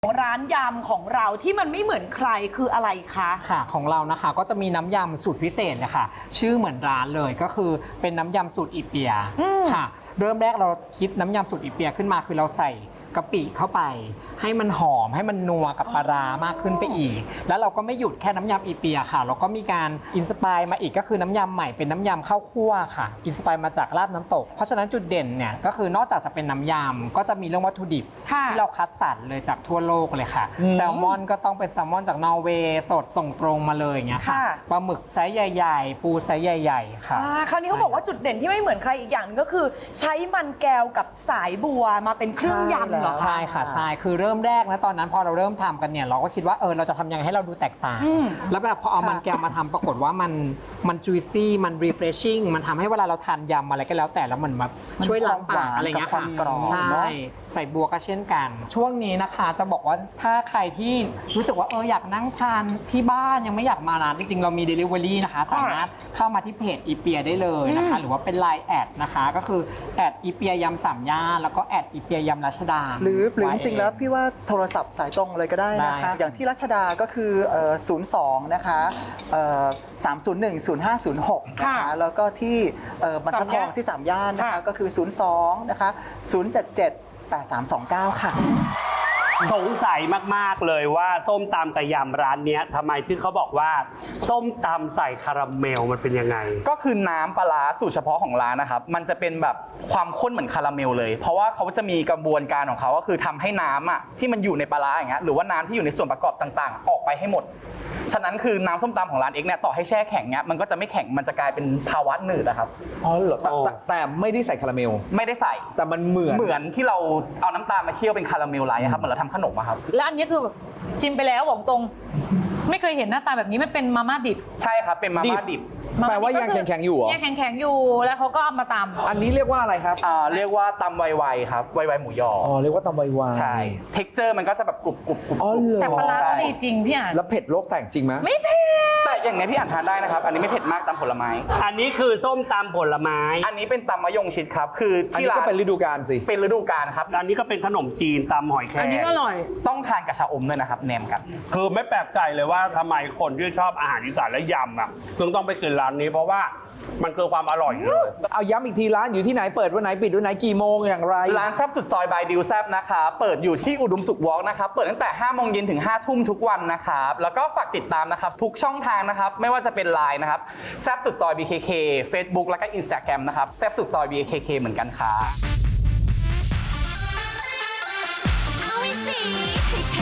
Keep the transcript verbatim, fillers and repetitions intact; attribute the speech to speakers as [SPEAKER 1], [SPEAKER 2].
[SPEAKER 1] ร้านยำของเราที่มันไม่เหมือนใครคืออะไรคะ
[SPEAKER 2] ค่ะของเรานะคะก็จะมีน้ำยำสูตรพิเศษเลยค่ะชื่อเหมือนร้านเลยก็คือเป็นน้ำยำสูตรอีเปียค่ะเริ่มแรกเราคิดน้ำยำสูตรอีเปียขึ้นมาคือเราใส่กะปิเข้าไปให้มันหอมให้มันนัวกับปลาร้ามากขึ้นไปอีกแล้วเราก็ไม่หยุดแค่น้ำยำอีเปียค่ะเราก็มีการอินสปายมาอีกก็คือน้ำยำใหม่เป็นน้ำยำข้าวคั่วค่ะอินสปายมาจากลาบน้ำตกเพราะฉะนั้นจุดเด่นเนี่ยก็คือนอกจากจะเป็นน้ำยำก็จะมีเรื่องวัตถุดิบที่เราคัดสรรเลยจากทั่วโลกเลยค่ะแซลมอนก็ต้องเป็นแซลมอนจากนอร์เวย์สดส่งตรงมาเลยอย่างเงี้ยค่ะปลาหมึกไซส์ใหญ่ๆปูไซส์ใหญ่ๆค่ะ
[SPEAKER 1] คราวนี้เขาบอกว่าจุดเด่นที่ไม่เหมือนใครอีกอย่างนึงก็คือใช้มันแก้วกับสายบัวมาเป็นเครื่องยำเหรอ
[SPEAKER 2] ใช่ค่ะใช่คือเริ่มแรกนะตอนนั้นพอเราเริ่มทำกันเนี่ยเราก็คิดว่าเออเราจะทำยังไงให้เราดูแตกต่างแล้วแบบพอเอามันแก้วมาทำปรากฏว่ามันมัน juicy มัน refreshing มันทำให้เวลาเราทานยำอะไรก็แล้วแต่แล้วมันแบบช่วยล้างปากอะไรเงี้ยค่ะใช่ใส่บัวก็เช่นกันช่วงนี้นะคะจะบอกว่าถ้าใครที่รู้สึกว่าเอออยากนั่งทานที่บ้านยังไม่อยากมาร้านจริงๆเรามี delivery นะคะสามารถเข้ามาที่เพจอีเปียได้เลยนะคะหรือว่าเป็น ไลน์ แอดนะคะก็คือแอดอีเปียยำสามย่านแล้วก็แอดอีเปียยำรัชดา
[SPEAKER 3] หรือหรือจริงๆแล้วพี่ว่าโทรศัพท์สายตรงเลยก็ได้นะคะอย่างที่รัชดาก็คือศูนย์ สองนะคะสาม ศูนย์ หนึ่ง ศูนย์ ห้า ศูนย์ หกนะคะแล้วก็ที่บรรทัดทองที่สามย่านนะคะก็คือศูนย์ สองนะคะศูนย์ เจ็ด เจ็ด แปด สาม สอง เก้าค่ะ
[SPEAKER 4] สงสัยมากๆเลยว่าส้มตำกับยำร้านนี้ทำไมที่เขาบอกว่าส้มตำใส่คาราเมลมันเป็นยังไง
[SPEAKER 5] ก็คือน้ำปลาร้าสูตรเฉพาะของร้านนะครับมันจะเป็นแบบความข้นเหมือนคาราเมลเลยเพราะว่าเขาจะมีกระบวนการของเขาก็คือทำให้น้ำอ่ะที่มันอยู่ในปลาร้าอย่างเงี้ยหรือว่าน้ำที่อยู่ในส่วนประกอบต่างๆออกไปให้หมดฉะนั้นคือน้ำส้มตำของร้านเอ็กเนี่ยต่อให้แช่แข็งเนี้ยมันก็จะไม่แข็งมันจะกลายเป็นภาวะหนืดนะครับ
[SPEAKER 6] อ๋อเหรอแต่แต่ไม่ได้ใส่คาราเมล
[SPEAKER 5] ไม่ได้ใส่
[SPEAKER 6] แต่มันเหมือน
[SPEAKER 5] เหมือนที่เราเอาน้ำตาลมาเคี่ยวเป็นคาราเมลไลท์ครับเหมือนเราทำขนมครับ
[SPEAKER 7] แล้วอันนี้คือชิมไปแล้วบอกตรงไม่เคยเห็นหน้าตาแบบนี้มันเป็นมาม่าดิบ
[SPEAKER 5] ใช่ครับเป็นมาม่าดิบ
[SPEAKER 6] แปลว่ายังแข็งๆอยู่เหรอ
[SPEAKER 7] ยังแข็งๆอยู่แล้วเขาก็เอามาตำ
[SPEAKER 6] อันนี้เรียกว่าอะไรครับ
[SPEAKER 5] อ่าเรียกว่าตำไวๆครับไวๆหมูยอ
[SPEAKER 6] อ๋อเรียกว่าตำไวๆ
[SPEAKER 5] ใช่เท็กเจอร์มันก็จะแบบกรุบกรุบกรุบ
[SPEAKER 7] แต่ปลาร้าดีจริงพี่อ่าน
[SPEAKER 6] แล้วเผ็ดโลกแตกจริงไหม
[SPEAKER 7] ไม่เผ็ด
[SPEAKER 5] แต่อย่างนี้พี่อ่านทานได้นะครับอันนี้ไม่เผ็ดมากตำผลไม้
[SPEAKER 4] อันนี้คือส้มตำผลไม้
[SPEAKER 5] อันนี้เป็นตำมะยงชิดครับคือ
[SPEAKER 6] ที่ร้านก็เป็นฤดูกาลสิ
[SPEAKER 5] เป็นฤดูกาลครับ
[SPEAKER 4] อันนี้ก็เป็นขนมจีนตำหอยแครง
[SPEAKER 7] อันนี้ก็อร่อย
[SPEAKER 5] ต้องทานกับชาอมด้วยนะครับแหนมกัน
[SPEAKER 4] คือไม่แปลกใจเลยว่าทำไมคนที่ชอบอาหารอีสานและยำอ่ะถึงต้องไปกินร้านนี้เพราะว่ามันคือความอร่อยเลย
[SPEAKER 6] เอาย้ำอีกทีร้านอยู่ที่ไหนเปิดวันไหนปิดวันไหนกี่โมงอย่างไร
[SPEAKER 5] ร้านแซ่บสุดซอยบายดิวแซ่บนะคะเปิดอยู่ที่อุดมสุขวอล์กนะครับเปิดตั้งแต่ห้าโมงเย็นถึงห้าทุ่มทุกวันนะครับแล้วก็ฝากติดตามนะครับทุกช่องทางนะครับไม่ว่าจะเป็น ไลน์ นะครับแซ่บสุดซอย บี เค เค Facebook แล้วก็ Instagram นะครับแซ่บสุดซอย บี เค เค เหมือนกันค่ะ